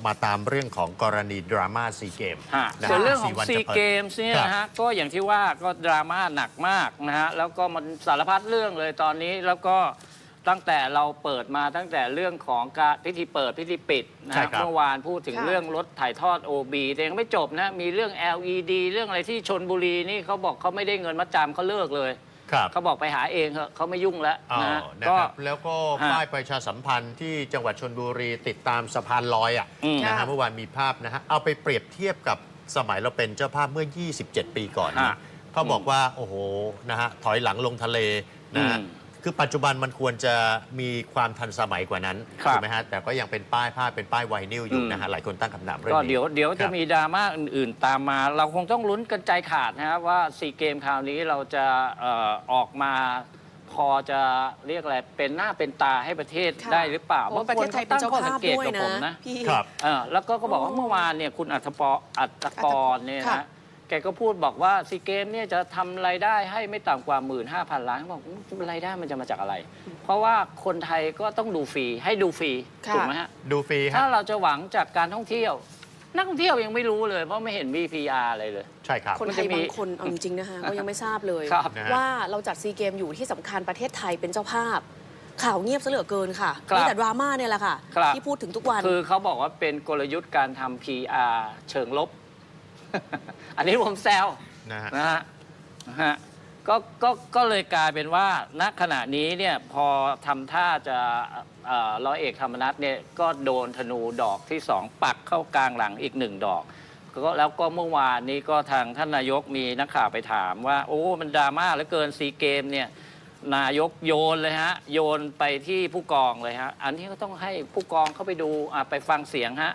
มาตามเรื่องของกรณีดราม่าซีเกมส่วนเรื่องของซีเกมส์เนี่ยนะฮะก็อย่างที่ว่าก็ดราม่าหนักมากนะฮะแล้วก็มันสารพัดเรื่องเลยตอนนี้แล้วก็ตั้งแต่เราเปิดมาตั้งแต่เรื่องของการพิธีเปิดพิธีปิดนะเมื่อวานพูดถึงเรื่องรถถ่ายทอด OB แต่ยังไม่จบนะมีเรื่อง LED เรื่องอะไรที่ชลบุรีนี่เขาบอกเขาไม่ได้เงินมัดจำเขาเลิกเลยเขาบอกไปหาเองเขาไม่ยุ่งแล้วนะก็แล้วก็ป้ายประชาสัมพันธ์ที่จังหวัดชลบุรีติดตามสะพานลอยนะฮะเมื่อวานมีภาพนะฮะเอาไปเปรียบเทียบกับสมัยเราเป็นเจ้าภาพเมื่อ 27 ปีก่อนเขาบอกว่าโอ้โหนะฮะถอยหลังลงทะเลนะคือปัจจุบันมันควรจะมีความทันสมัยกว่านั้นถูกไหมฮะแต่ก็ยังเป็นป้ายผ้าเป็นป้ายไวนิลอยู่นะฮะหลายคนตั้งคำถามเรื่องนี้ก็เดี๋ยวจะมีดราม่าอื่นๆตามมา เราคงต้องลุ้นกันใจขาดนะครับว่าซีเกมคราวนี้เราจะออกมาพอจะเรียกอะไรเป็นหน้าเป็นตาให้ประเทศได้หรือเปล่าเพราะประเทศไทยเป็นเจ้าภาพด้วยนะพี่แล้วก็บอกว่าเมื่อวานเนี่ยคุณอัตกรเนี่ยนะแกก็พูดบอกว่าซีเกมเนี่ยจะทำรายได้ให้ไม่ต่ำกว่า 15,000 ล้านบอกรายได้มันจะมาจากอะไรเพราะว่าคนไทยก็ต้องดูฟรีให้ดูฟรีถูกไหมฮะดูฟรีถ้าเราจะหวังจากการท่องเที่ยวนักท่องเที่ยวยังไม่รู้เลยเพราะไม่เห็นมี PR อะไรเลยใช่ครับคนไทยบางคนเอาจริงๆนะคะก็ยังไม่ทราบเลยว่าเราจัดซีเกมอยู่ที่สำคัญประเทศไทยเป็นเจ้าภาพข่าวเงียบซะเหลือเกินค่ะมีแต่ดราม่าเนี่ยแหละค่ะที่พูดถึงทุกวันคือเขาบอกว่าเป็นกลยุทธ์การทำ PR เชิงลบอันนี้ผมแซวนะฮะก็เลยกลายเป็นว่าณขณะนี้เนี่ยพอทำท่าจะร้อยเอกธรรมนัสเนี่ยก็โดนธนูดอกที่2ปักเข้ากลางหลังอีก1ดอกแล้วก็เมื่อวานนี้ก็ทางท่านนายกมีนักข่าวไปถามว่าโอ้มันดราม่าเหลือเกินซีเกมเนี่ยนายกโยนเลยฮะโยนไปที่ผู้กองเลยฮะอันนี้ก็ต้องให้ผู้กองเข้าไปดูไปฟังเสียงฮะ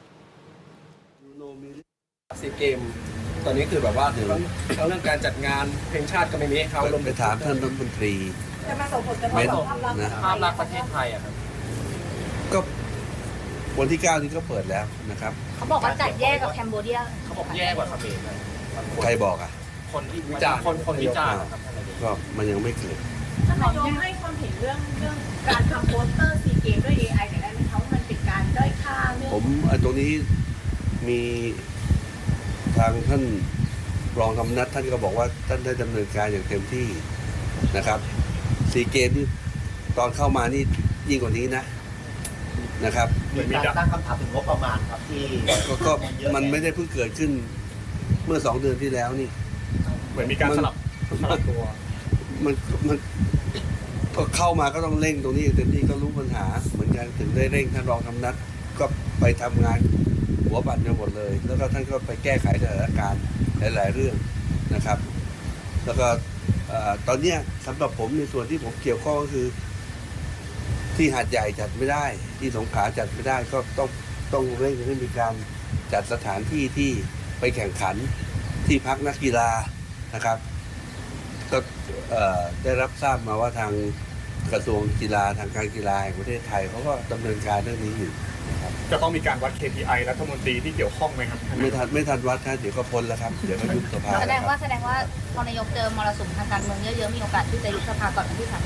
ซีเกมตอนนี้คือแบบว่าทั้งเรื่องการจัดงานเพลงชาติก็ไม่มีให้เขาลงไปถามท่านรัฐมนตรีจะมาส่งผลกระทบต่อภาพลักษณ์ประเทศไทยอะครับก็วันที่ 9 นี้ก็เปิดแล้วนะครับเขาบอกว่าจัดแยกกับแคนเบเดียเขาบอกแย่กว่าเขมรใครบอกอ่ะคนที่วิจารณ์คนวิจารณ์ก็มันยังไม่เกิดท่านนายกให้ความเห็นเรื่องการทำโปสเตอร์ซีเกมด้วย AI แต่ได้ไหมคะว่ามันเป็นการด้อยค่าเรื่องผมตรงนี้มีทางท่านรองธรรมนัสท่านก็บอกว่าท่านได้ดำเนินการอย่างเต็มที่นะครับซีเกมที่ตอนเข้ามานี่ยิ่งกว่านี้นะครับมีการตั้งคำถามถึงงบประมาณครับที่ก็มันไม่ได้เพิ่งเกิดขึ้นเมื่อ2 เดือนที่แล้วนี่เหมือนมีการสลับตัวมันก็เข้ามาก็ต้องเร่งตรงนี้เต็มที่ก็รู้ปัญหาเหมือนกันถึงได้เร่งท่านรองธรรมนัสก็ไปทำงานหัวบัตรกันหมดเลยแล้วก็ท่านก็ไปแก้ไขสถานการณ์หลายๆเรื่องนะครับแล้วก็ตอนนี้สำหรับผมในส่วนที่ผมเกี่ยวข้องก็คือที่หาดใหญ่จัดไม่ได้ที่สงขลาจัดไม่ได้ก็ต้องเร่งให้มีการจัดสถานที่ที่ไปแข่งขันที่พักนักกีฬานะครับก็ได้รับทราบมาว่าทางกระทรวงกีฬาทางการกีฬาแห่งประเทศไทยเขาก็ดำเนินการเรื่องนี้อยู่จะต้องมีการวัด KPI รัฐมนตรีที่เกี่ยวข้องไหมครับไม่ทันวัดนะเดี๋ยวก็พ้นแล้วครับเดี๋ยวก็ยุบสภาแสดงว่าพอนายกเจอมรสุมทางการเมืองเยอะๆมีโอกาสที่จะยุบสภาก่อนวันที่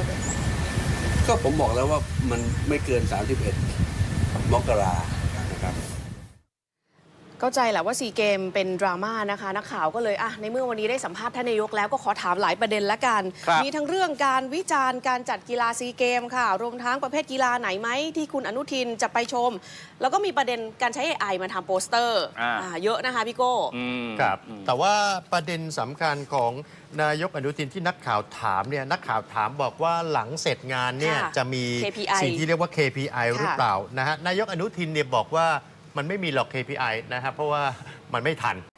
30 ก็ผมบอกแล้วว่ามันไม่เกิน31 มกรานะครับเข้าใจแหละว่าซีเกมเป็นดราม่านะคะนักข่าวก็เลยในเมื่อวันนี้ได้สัมภาษณ์ท่านนายกแล้วก็ขอถามหลายประเด็นละกันมีทั้งเรื่องการวิจารณ์การจัดกีฬาซีเกมค่ะรวมทั้งประเภทกีฬาไหนไหมที่คุณอนุทินจะไปชมแล้วก็มีประเด็นการใช้ AI มาทำโปสเตอร์เยอะนะคะพี่โก้ครับแต่ว่าประเด็นสำคัญของนายกอนุทินที่นักข่าวถามเนี่ยนักข่าวถามบอกว่าหลังเสร็จงานเนี่ยจะมีสิ่งที่เรียกว่า KPI หรือเปล่านะฮะนายกอนุทินเนี่ยบอกว่ามันไม่มีหรอก KPI นะครับเพราะว่ามันไม่ทัน